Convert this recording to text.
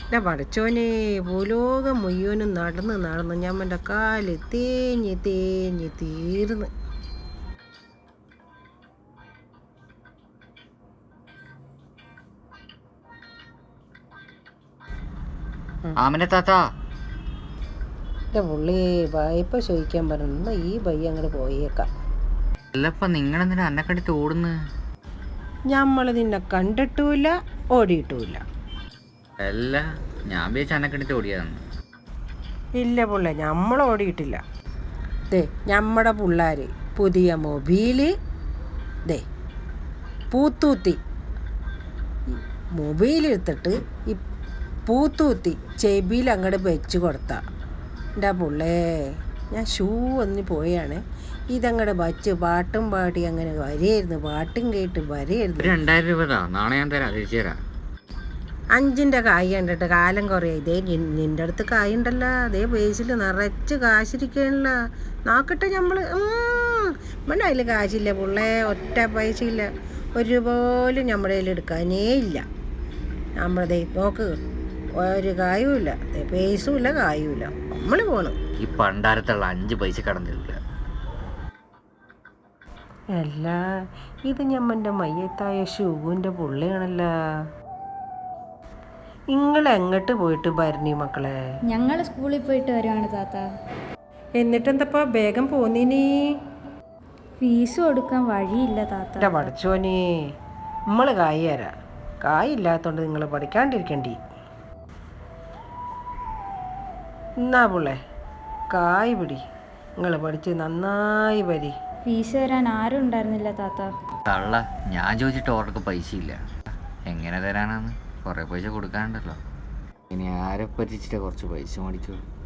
എൻ്റെ പടച്ചോനെ ഭൂലോകം മുഴുവനും നടന്ന് നടന്ന് ഞമ്മൻ്റെ കാല് തേഞ്ഞ് തേഞ്ഞ് തീർന്ന്. എൻ്റെ പുള്ളി വായ്പ ചോദിക്കാൻ പറഞ്ഞു. ഈ ബയ്യ അങ്ങോട്ട് പോയേക്കാം. നിങ്ങളെന്തിനാ എന്നെ കണ്ടിട്ട് ഓടുന്നു? നമ്മൾ നിന്നെ കണ്ടിട്ടുമില്ല ഓടിയിട്ടുമില്ല. അല്ല, ഞാൻ വിചാരിച്ച എന്നെ കണ്ടിട്ട് ഓടിയതെന്ന്. ഇല്ല പുള്ള, നമ്മൾ ഓടിയിട്ടില്ല. ദേ നമ്മുടെ പിള്ളേർ പുതിയ മൊബൈല് ദേ പൂത്തൂത്തി മൊബൈലെടുത്തിട്ട് ഈ പൂത്തൂത്തി ചെവിയിൽ അങ്ങോട്ട് വെച്ച് കൊടുത്താ എൻ്റെ പുള്ളേ. ഞാൻ ഷൂ ഒന്ന് പോയാണ്, ഇതങ്ങോട്ട് വച്ച് പാട്ടും പാടി അങ്ങനെ വരെയായിരുന്നു, പാട്ടും കേട്ട് വരെയായിരുന്നു. 2000 രൂപ നാളെ ഞാൻ തരാം, തിരിച്ചു തരാം. 5ൻ്റെ കായ് കണ്ടിട്ട് കാലം കുറേ. ഇതേ നിൻ്റെ അടുത്ത് കായ് ഉണ്ടല്ലോ, അതേ പേസിൽ നിറച്ച് കാശിരിക്കണല്ലോ. നോക്കട്ടെ നമ്മൾ ഇവിടെ അതിൽ കാശില്ല പുള്ളേ, ഒറ്റ പൈസ ഇല്ല, ഒരു പോലും നമ്മുടെ കയ്യിൽ എടുക്കാനേ ഇല്ല. നമ്മളതേ നോക്ക്, ഒരു കായും ഇല്ല, പേസും ഇല്ല, കായും ഇല്ല. നമ്മൾ പോണം ഈ പണ്ടാരത്തുള്ള 5 പൈസ കടന്നില്ല. അല്ല, ഇത് ഞമ്മൻ്റെ മയ്യത്തായ ഷൂവിൻ്റെ പുള്ളിയാണല്ലോ. നിങ്ങൾ എങ്ങോട്ട് പോയിട്ട് ഭരണി മക്കളെ? ഞങ്ങൾ സ്കൂളിൽ പോയിട്ട് വരുവാണ് താത്ത. എന്നിട്ടെന്തപ്പാ വേഗം പോന്നീനി? ഫീസ് കൊടുക്കാൻ വഴിയില്ല താത്ത. എൻ്റെ പഠിച്ചോനെ, നമ്മൾ കായ് തരാം. കായില്ലാത്തതുകൊണ്ട് നിങ്ങൾ പഠിക്കാണ്ടിരിക്കണ്ടി. എന്നാ പുള്ളേ കായ് പിടി, നിങ്ങൾ പഠിച്ച് നന്നായി വരി. ഫീസ് തരാൻ ആരും ഉണ്ടായിരുന്നില്ല താത്ത. തള്ള, ഞാൻ ചോദിച്ചിട്ട് ഓർക്ക് പൈസ ഇല്ല. എങ്ങനെ തരാനാണ്? കുറേ പൈസ കൊടുക്കാനുണ്ടല്ലോ. ഇനി ആരെ പറ്റിച്ചിട്ട് കുറച്ച് പൈസ മേടിച്ചോളൂ.